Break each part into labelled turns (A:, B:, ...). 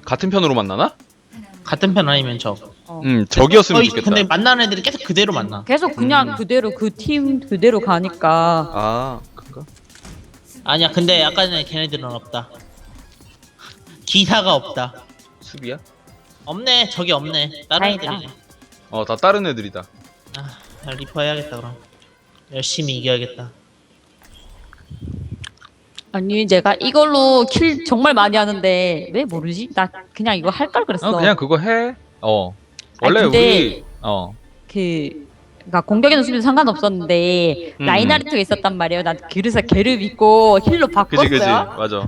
A: 같은 편으로 만나나?
B: 같은 편 아니면 적.
A: 적이었으면 좋겠다.
B: 근데 만나는 애들이 계속 그대로 만나.
C: 계속 그냥 그대로 그 팀 그대로 가니까.
A: 아, 그런가?
B: 아니야, 근데 아까 전에 걔네들은 없다. 기사가 없다.
A: 수비야?
B: 없네, 적이 없네. 다른
C: 다행이다.
B: 애들이네.
A: 다 다른 애들이다.
B: 아, 리퍼 해야겠다 그럼. 열심히 이겨야겠다.
C: 아니 제가 이걸로 킬 정말 많이 하는데 왜 모르지? 나 그냥 이거 할 걸 그랬어.
A: 그냥 그거 해.
C: 아니,
A: 원래
C: 근데
A: 우리
C: 그러니까 공격에는 수비도 상관없었는데
A: 음.
C: 라인하르트가 있었단 말이에요. 난 그래서 걔를 믿고 힐로 바꿨어요.
A: 그지 맞아.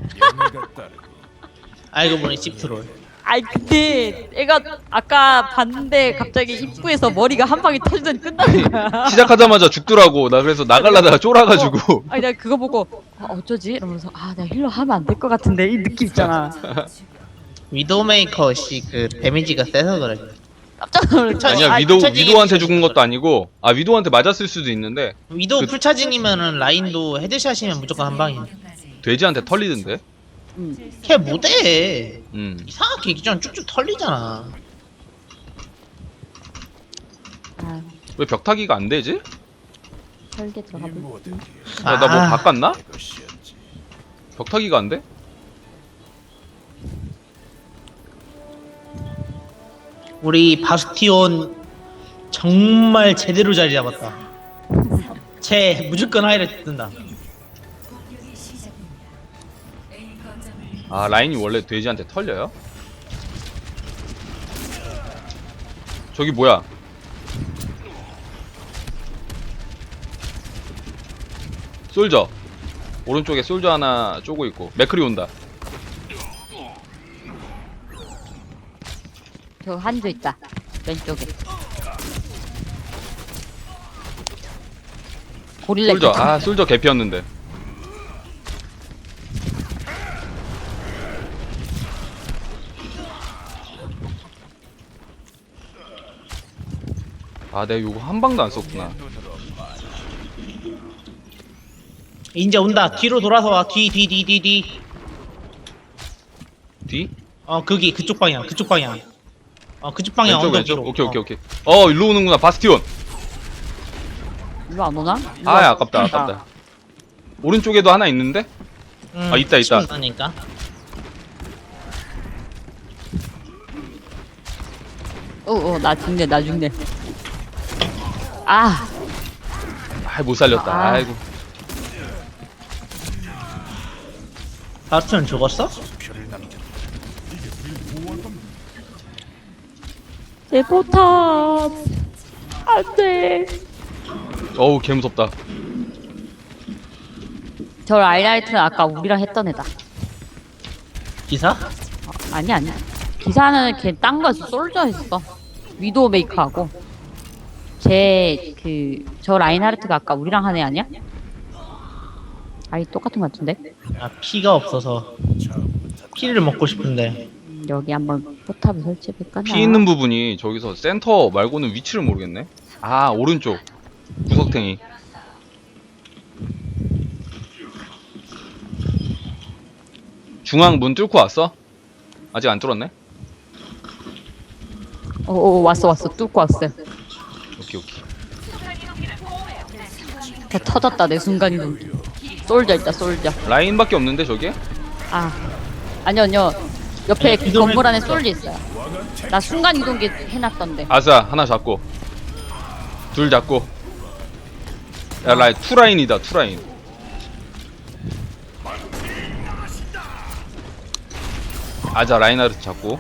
B: 알고 보니 씹트롤.
C: 아니 근데 애가 아까 봤는데 갑자기 입구에서 머리가 한 방에 터지더니 끝나는 거야.
A: 시작하자마자 죽더라고. 나 그래서 나갈라다가 쫄아가지고.
C: 아니 내가 그거 보고 어쩌지? 이러면서 내가 힐러 하면 안 될 것 같은데 이 느낌 있잖아.
B: 위도메이커 그 데미지가 세서 그래.
C: 깜짝 놀랐죠.
A: 아니야 위도한테 죽은 것도 아니고 위도한테 맞았을 수도 있는데
B: 위도 풀차징이면은 라인도 헤드샷이면 무조건 한 방이야.
A: 돼지한테 털리던데.
B: 걔 못해.
A: 음.
B: 이상하게 그냥 쭉쭉 털리잖아.
A: 왜 벽타기가 안 되지?
C: 설계 들어가 볼게.
A: 나 뭐 바꿨나? 벽타기가 안 돼?
B: 우리 바스티온 정말 제대로 자리 잡았다. 쟤 무조건 하이라이트 뜬다.
A: 라인이 원래 돼지한테 털려요? 저기 뭐야? 솔저 오른쪽에 솔저 하나 쪼고 있고 맥크리 온다.
C: 저 한조 있다. 왼쪽에. 고릴라
A: 솔저
C: 있다.
A: 솔저 개피였는데. 내가 요거 한 방도 안 썼구나.
B: 이제 온다. 뒤로 돌아서 와. 뒤.
A: 뒤?
B: 거기 그쪽 방향. 그쪽 방향
A: 왼쪽
B: 언덕 뒤로.
A: 오케이. 일로 오는구나. 바스티온.
C: 일로 안 오나?
A: 아깝다. 오른쪽에도 하나 있는데? 있다.
B: 있다니까.
C: 나 죽네.
A: 못 살렸다. 아이고.
B: 바스티온 죽었어?
C: 내 포탑 안돼.
A: 개 무섭다.
C: 저 라인하르트는 아까 우리랑 했던 애다.
B: 기사?
C: 아니야. 기사는 걔 딴 거였어. 솔저 했어. 위도우 메이커하고. 저 라인하르트가 아까 우리랑 한 애 아니야? 똑같은 거 같은데?
B: 피가 없어서 피를 먹고 싶은데.
C: 여기 한번 포탑을 설치해볼까?
A: 피 있는 부분이 저기서 센터 말고는 위치를 모르겠네. 오른쪽 구석탱이. 중앙 문 뚫고 왔어? 아직 안 뚫었네?
C: 왔어. 뚫고 왔어요.
A: 오케이.
C: 다 터졌다, 내 순간이동. 솔져 있다, 솔져.
A: 라인밖에 없는데 저게?
C: 아니요. 옆에
B: 아니,
C: 건물 안에
B: 이동을
C: 솔져 있어요. 나 순간이동기 해놨던데.
A: 아싸 하나 잡고 둘 잡고. 야 투라인이다. 투라인. 라인하르트 잡고.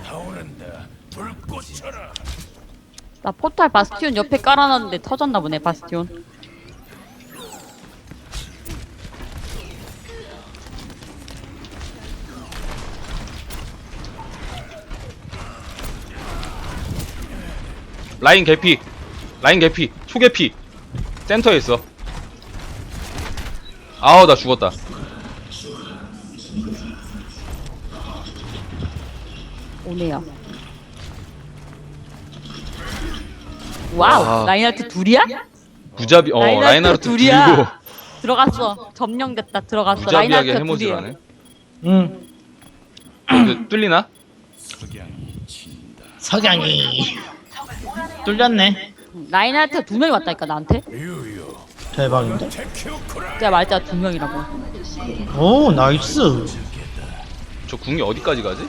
C: 나 포탈 바스티온 옆에 깔아놨는데 터졌나 보네, 바스티온.
A: 라인 개피. 초개피. 센터에 있어. 나 죽었다.
C: 오네요. 와우, 라인하르트 둘이야?
A: 무자비 라인하르트
C: 둘이야.
A: 들고
C: 들어갔어. 점령됐다. 들어갔어.
A: 무자비하게
C: 라인하르트
A: 해머질
C: 둘이야.
A: 하네.
B: 응.
A: 뚫리나?
B: 석양이 뚫렸네.
C: 라인하트 2명이 왔다니까 나한테.
B: 대박인데?
C: 내가 말했잖아 2명이라고.
B: 오 나이스.
A: 저 궁이 어디까지 가지?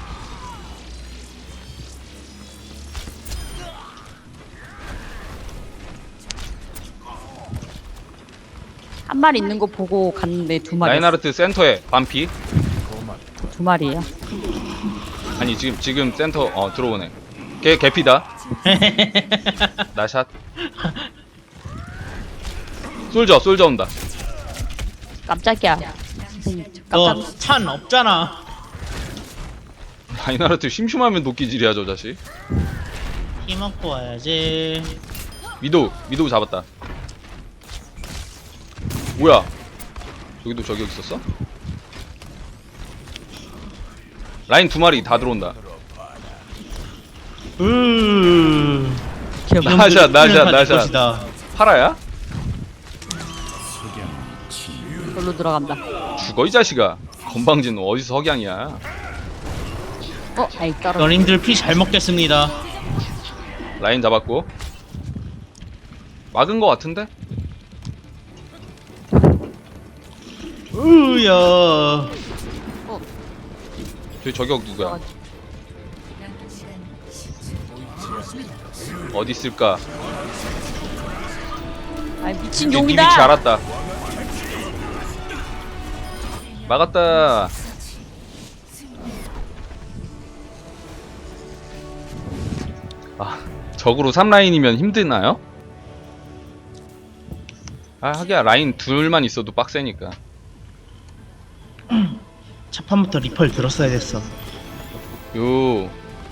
C: 한 마리 있는 거 보고 갔는데 2마리.
A: 라인하르트 센터에 반피.
C: 2마리예요.
A: 아니 지금 센터 들어오네. 걔 개피다. 나샷. 솔저 온다.
C: 깜짝이야. 선생님, 저 깜짝.
B: 너 찬 없잖아.
A: 라인하르트 심심하면 도끼질이야 저 자식.
B: 힘먹고 와야지.
A: 미도우 잡았다. 뭐야? 저기도 저격 있었어? 라인 2마리 다 들어온다. 나샷. 파라야?
C: 걸로 들어간다.
A: 죽어 이 자식아. 건방진 너 어디서 석양이야?
C: 아이 떨어.
B: 너님들 피 잘 먹겠습니다.
A: 라인 잡았고. 막은 거 같은데?
B: 으야.
A: 저기 저격 누구야? 어디 있을까?
C: 아이 미친
A: 네
C: 용이다.
A: 위치 알았다. 막았다. 적으로 3라인이면 힘드나요? 하기야 라인 둘만 있어도 빡세니까.
B: 첫판부터 리펄 들었어야 됐어.
A: 요.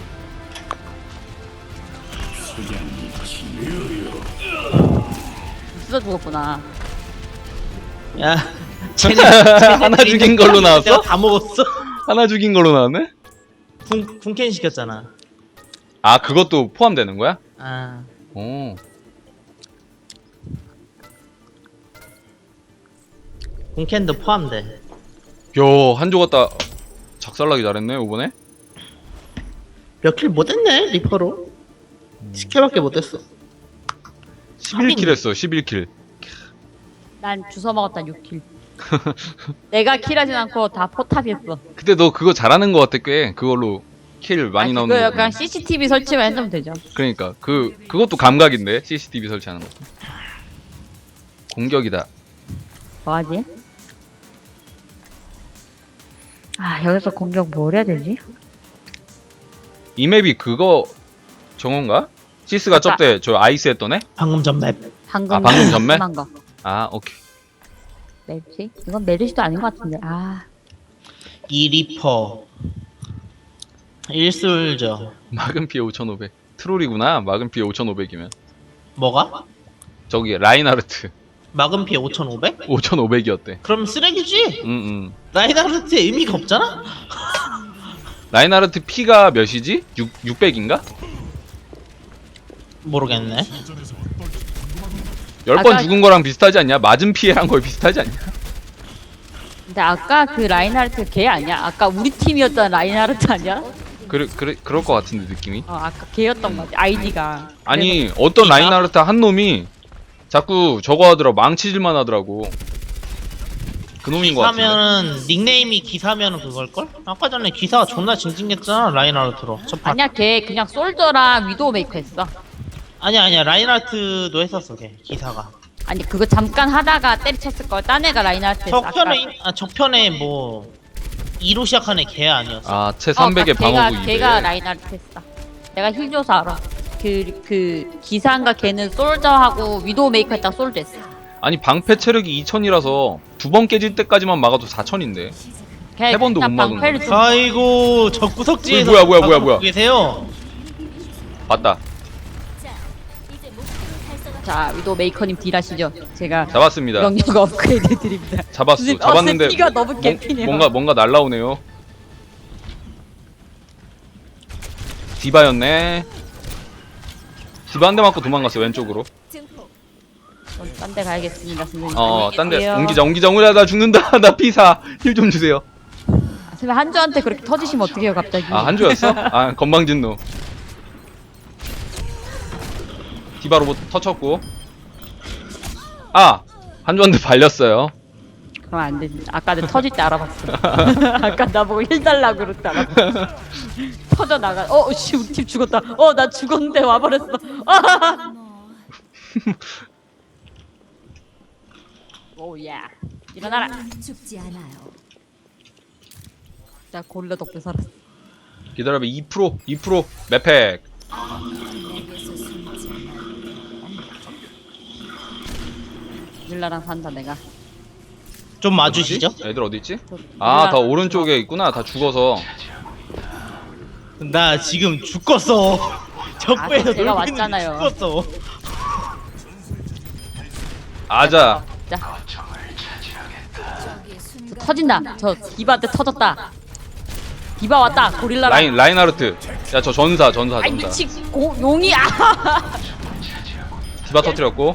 C: 쓰다 죽었구나.
B: 야,
A: 하나 죽인 걸로 나왔어?
B: 내가 다 먹었어.
A: 하나 죽인 걸로 나왔네?
B: 군캔 시켰잖아.
A: 아 그것도 포함되는 거야?
B: 아,
A: 오.
B: 군캔도 포함돼.
A: 요 한조 갔다 작살나기 잘했네 이번에.
B: 몇 킬 못했네 리퍼로. 10킬밖에 못했어.
A: 11킬 했어 11킬.
C: 난 주워 먹었다 6킬. 내가 킬하진 않고 다 포탑이었어.
A: 근데 너 그거 잘하는 거 같아 꽤. 그걸로 킬 많이 나오는
C: 그거
A: 거.
C: 약간 CCTV 설치만 해주면 되죠.
A: 그러니까 그것도 감각인데 CCTV 설치하는 것도. 공격이다.
C: 뭐하지? 여기서 공격 뭘 해야 되지?
A: 이 맵이 그거 정원가? 시스가
C: 아까-
A: 저때 저 아이스 했던 애?
B: 방금 전 맵.
C: 방금
A: 방금 전매?
C: 한 거.
A: 아 오케이.
C: 맵지? 이건 메르시도 아닌 것 같은데.
B: 이 리퍼. 1솔저.
A: 막은 피해 5,500. 트롤이구나. 막은 피해 5,500이면.
B: 뭐가?
A: 저기 라인하르트
B: 막은 피해 5,500?
A: 5,500이었대.
B: 그럼 쓰레기지?
A: 응응.
B: 라인하르트의 의미가 없잖아?
A: 라인하르트 피가 몇이지? 600인가?
B: 모르겠네.
A: 10번
C: 아까-
A: 죽은 거랑 비슷하지 않냐? 맞은 피해란 거에 비슷하지 않냐?
C: 근데 아까 그 라인하르트 걔 아니야? 아까 우리 팀이었던 라인하르트 아니야?
A: 그럴 것 같은데 느낌이.
C: 아까 걔였던 거 같아. 아이디가.
A: 아니 어떤
B: 피가?
A: 라인하르트 한 놈이 자꾸 저거 하더라. 망치질만 하더라고. 그 놈인 거 같은데.
B: 기사면은 닉네임이 기사면은 그걸걸? 아까 전에 기사가 존나 징징했잖아 라인하르트로.
C: 아니야 걔 그냥 솔저랑 위도우 메이커 했어.
B: 아니야 라인하르트도 했었어 걔 기사가.
C: 아니 그거 잠깐 하다가 때리쳤을 걸. 딴 애가 라인하르트 했어.
B: 적편에 뭐 2로 시작하는 걔 아니었어?
A: 아, 채 300에 방어구 200.
C: 걔가 라인하르트 했어. 내가 힐 줘서 알아. 그 기사인가 걔는 솔저하고 위도우 메이커 했다가 솔저 했어.
A: 아니 방패 체력이 2000이라서 두 번 깨질 때까지만 막아도 4000인데.
C: 걔
A: 세 번도
C: 그냥
A: 못 막은
C: 방패를
A: 거야.
C: 좀-
B: 아이고 저 구석지에서
A: 뭐야.
B: 방금 계세요?
A: 맞다.
C: 자 위도우 메이커님 딜하시죠. 제가
A: 잡았습니다.
C: 명령 업그레이드 드립니다.
A: 잡았어.
C: 선생님,
A: 잡았는데
C: 스피가 너무 개피네요.
A: 뭔가 날라오네요. 디바였네. 디바 한 대 맞고 도망갔어 왼쪽으로.
C: 딴 데 가야겠습니다, 선생님.
A: 딴 데
C: 안녕히 계세요.
A: 옮기자. 나 죽는다. 나 피사. 힐 좀 주세요.
C: 제발 한주한테 그렇게 터지시면 어떡해요 갑자기.
A: 아 한조였어? 아 건방진노. 디바 로봇 터쳤고. 아 한조한테 발렸어요.
C: 그럼 안 되지. 아까 내 터질 때 알아봤어. 아까 나보고 힐 달라고 그럴 때 알아봤어. 터져 나가. 씨 우리 팀 죽었다. 나 죽었는데 와버렸어. 오야. 일어나라.
D: 죽지 않아요.
C: 나 고릴라 덕분에 살았어.
A: 기다려봐 2% 맵팩.
D: 내게서 숨지 마.
C: 고릴라랑 산다 내가.
B: 좀 맞으시죠?
A: 애들 어디 있지?
C: 저
A: 아
C: 고릴라-
A: 다 오른쪽에 있구나. 다 죽어서.
B: 나 지금 죽겠어. 적배에서
C: 제가
B: 놀고 있는데
C: 왔잖아요.
B: 죽겠어.
A: 아자.
C: 자,
D: 저기에 순간
C: 터진다. 저 디바한테 터졌다. 디바 왔다. 고릴라랑.
A: 라인하르트. 야 저 전사.
C: 아이 미치 용이
A: 디바 터뜨렸고.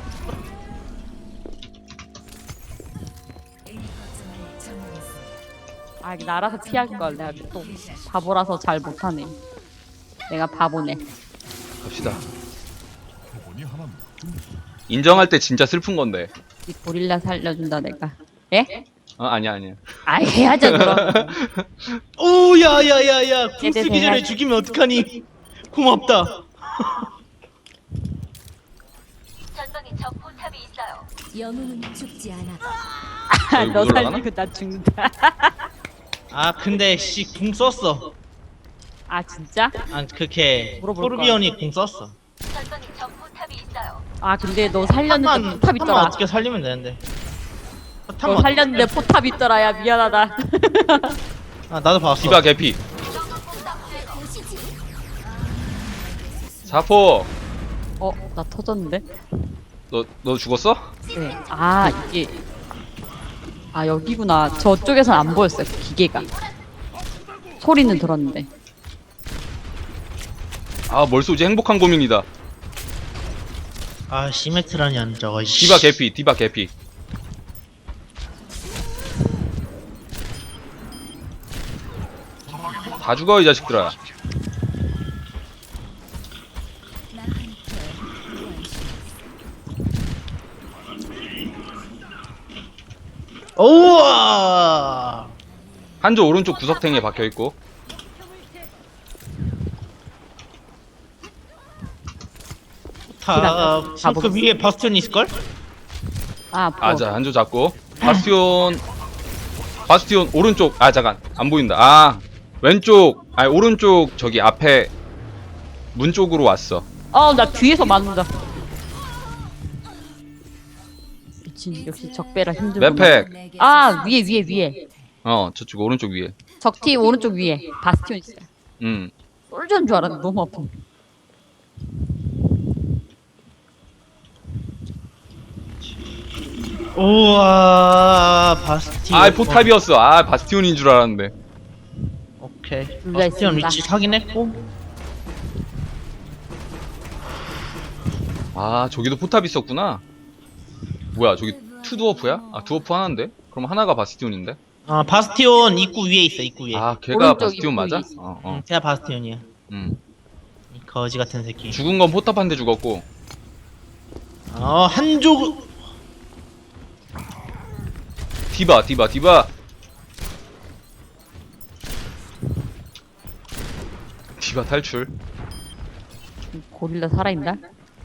C: 이거 알아서 피할 걸. 내가 또 바보라서 잘 못하네. 내가 바보네.
A: 갑시다. 인정할 때 진짜 슬픈 건데.
C: 이 고릴라 살려준다 내가. 예?
A: 아니야.
C: 해야죠 그럼.
B: 오, 야야야야. 궁
C: 네네네.
B: 쓰기 전에 죽이면 어떡하니? 고맙다.
D: 영웅은 죽지 않아.
A: 여기
C: 너
A: 못 올라가나?
C: 살리고 나 죽는다.
B: 아 근데 궁 썼어.
C: 진짜?
B: 그렇게
C: 물어볼
B: 토르비언이 궁 썼어.
C: 근데 너 살렸는데 포탑 있더라.
B: 어떻게 살리면 되는데.
C: 너 살렸는데 포탑 있더라. 야 미안하다.
B: 나도 봤어.
A: 디바 개피. 사포.
C: 나 터졌는데?
A: 너 죽었어?
C: 네. 이게 여기구나. 저쪽에선 안 보였어요. 기계가. 소리는 들었는데.
A: 뭘 쏘지? 행복한 고민이다.
B: 시메트라니 안 저거.
A: 디바 개피. 다 죽어 이 자식들아.
B: 오와.
A: 한조 오른쪽 구석탱이에 박혀있고.
B: 그 위에 바스티온 있을걸?
A: 아자 한조 잡고. 바스티온 오른쪽. 잠깐 안 보인다. 왼쪽 오른쪽 저기 앞에 문 쪽으로 왔어.
C: 나 뒤에서 맞는다. 미친, 역시 적배라 힘들구나.
A: 맵팩.
C: 위에.
A: 저쪽 오른쪽 위에.
C: 적팀 오른쪽 위에 바스티온 있어요. 솔저인 줄 알았는데 너무 아파.
B: 우와 바스티온.
A: 포탑이었어. 바스티온인 줄 알았는데.
B: 오케이.
C: 둘다
B: 바스티온
C: 있습니다.
B: 위치 확인했고.
A: 저기도 포탑 있었구나. 뭐야 저기 투드워프야? 드워프 하나인데? 그럼 하나가 바스티온인데?
B: 바스티온 입구 위에 있어. 입구 위에.
A: 걔가
C: 오른쪽
A: 바스티온
C: 입구
A: 맞아?
C: 위에 있어.
B: 제가 바스티온이야. 이 거지 같은 새끼.
A: 죽은 건 포탑 한 대 죽었고.
B: 한조.
A: 디바. 디바 탈출.
C: 고릴라 살아있나?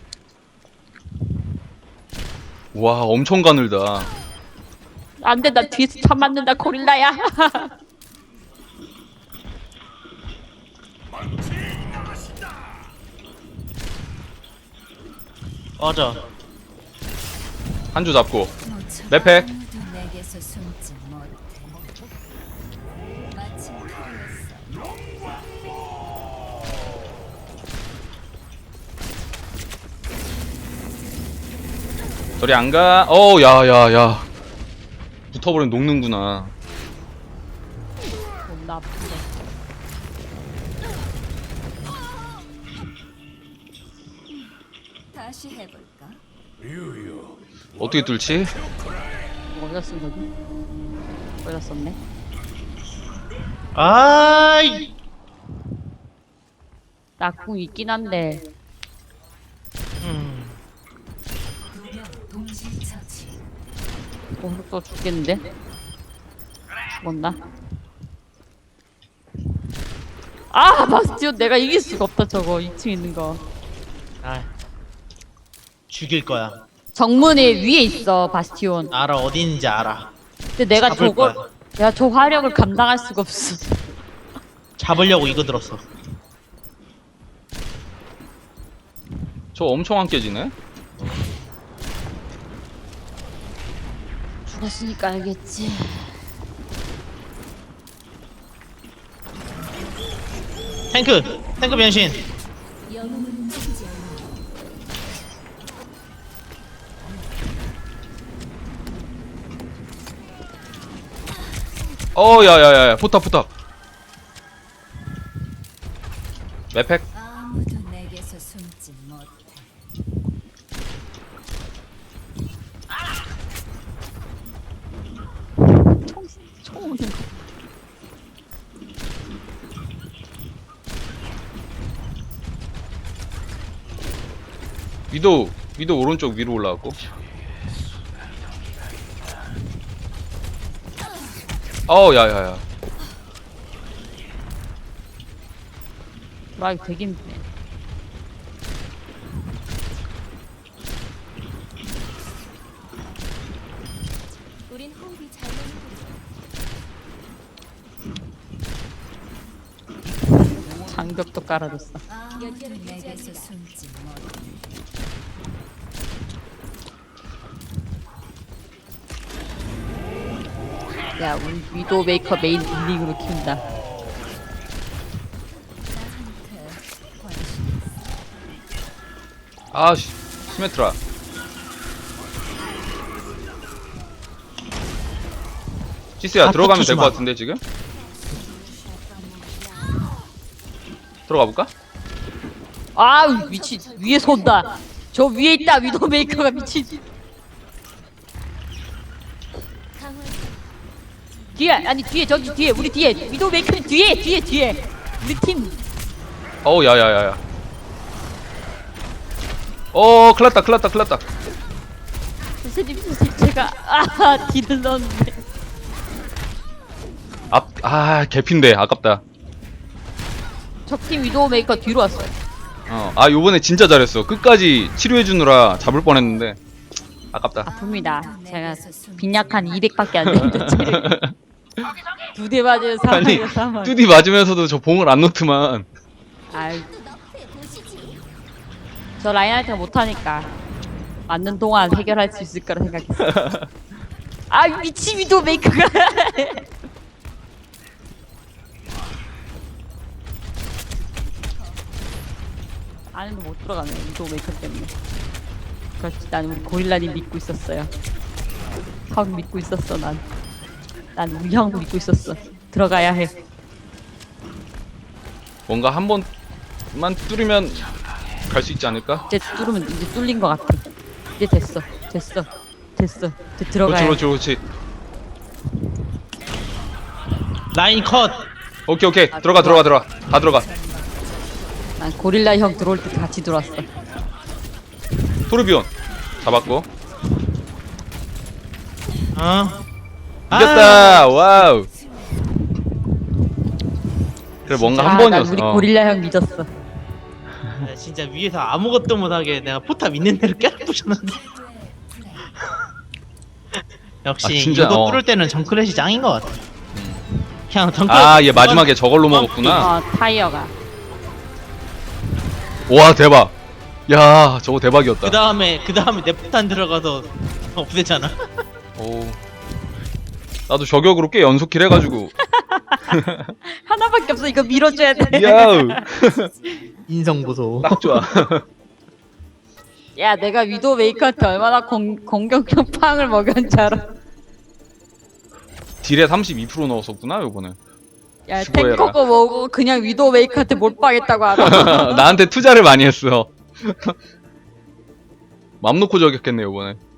A: 와 엄청 가늘다.
C: 안돼, 나 뒤에서 참 맞는다. 고릴라야.
B: 맞아.
A: 한조 잡고. 맵팩.
D: 아무도 내게서 숨지 못해. 마침 필요했어.
A: 저리 안 가. 야야야. 붙어버리면 녹는구나.
C: 존나 아픈데.
D: 다시 해볼까?
A: 어떻게 뚫지?
C: 어디다 쓴 거지? 어디다 썼네?
B: 아이.
C: 낙궁 있긴 한데
D: 동시 처치.
C: 또 죽겠는데? 죽었나? 아 바스티온 내가 이길 수가 없다 저거 2층 있는 거.
B: 아. 죽일 거야.
C: 정문에 위에 있어 바스티온.
B: 알아, 어디 있는지 알아.
C: 근데 내가
B: 잡을
C: 저걸
B: 거야.
C: 내가 저 화력을 감당할 수가 없어.
B: 잡으려고 이거 들었어.
A: 저 엄청 안 깨지네.
C: 죽었으니까 알겠지.
B: 탱크 변신.
D: 영웅은 죽지 않아.
A: 야야야 포탑. 맵팩.
D: 아무도 내게서 숨지 못해.
C: 총 오는 거.
A: 위도 오른쪽 위로 올라갔고. 야야야.
C: 와 이거 되게 힘드네.
D: 우린 호흡이 잘 맞는
C: 장벽도 깔아줬어.
D: 아무도 내게서 숨지 못해.
C: 야 우리 위도 메이커 메인 딜링으로 키운다.
A: 아씨 시메트라. 시스야
B: 아,
A: 들어가면 될
B: 붙이지
A: 것
B: 마.
A: 같은데 지금? 들어가 볼까?
C: 아 미친 위에서 온다. 저 위에 있다 위도 메이커가 미친. 뒤에 아니 뒤에 저기 뒤에 우리 뒤에 위도 메이커 뒤에 우리 팀.
A: 야야야야. 클났다.
C: 선생님 제가 딜을 넣었는데.
A: 개핀데 아깝다.
C: 적팀 위도 메이커 뒤로 왔어요.
A: 요번에 진짜 잘했어. 끝까지 치료해주느라 잡을 뻔했는데 아깝다.
C: 아픕니다. 제가 빈약한 200밖에 안 되는데 체력이. 2대 맞으면
A: 아니
C: 사망.
A: 뚜디 맞으면서도 저 봉을 안 놓더만.
C: 아이. 저 라인하이트가 못하니까 맞는 동안 해결할 수 있을 거라 생각했어. 아 미친 위도 메이커가. 안에도 못 들어가네 위도 메이커 때문에. 그렇지 난 우리 고릴라님 믿고 있었어요. 형 믿고 있었어 난 우리 형 믿고 있었어. 들어가야 해.
A: 뭔가 한 번만 뚫으면 갈 수 있지 않을까?
C: 이제 뚫으면 이제 뚫린 것 같아. 이제 됐어. 이제 들어가야 해.
A: 그렇지.
B: 라인 컷.
A: 오케이. 들어가. 다 들어가.
C: 난 고릴라 형 들어올 때 같이 들어왔어.
A: 토르비온 잡았고. 이겼다. 와우. 그래 뭔가 한
C: 난
A: 번이었어.
C: 우리 고릴라 형 믿었어.
B: 야, 진짜 위에서 아무것도 못하게 내가 포탑 있는 대로 깨부셨는데. 역시
A: 진짜,
B: 이거 뚫을 때는 정크렛이 짱인 것 같아. 그냥 정크렛.
A: 얘 마지막에 저걸로 먹었구나.
C: 타이어가.
A: 와 대박. 야 저거 대박이었다.
B: 그 다음에 내 포탄 들어가서 없애잖아.
A: 오. 나도 저격으로 꽤 연속킬 해가지고.
C: 하나밖에 없어. 이거 밀어줘야 돼.
A: 야우.
B: 인성 보소.
A: 딱 좋아.
C: 야, 내가 위도 메이커한테 얼마나 공격형 팡을 먹였는지 알아?
A: 딜에 32% 넣었었구나 요번에.
C: 야,
A: 수고해라.
C: 탱커 먹고 그냥 위도 메이커한테 몰빵했다고 알아?
A: 나한테 투자를 많이 했어. 맘 놓고 저격했네 요번에.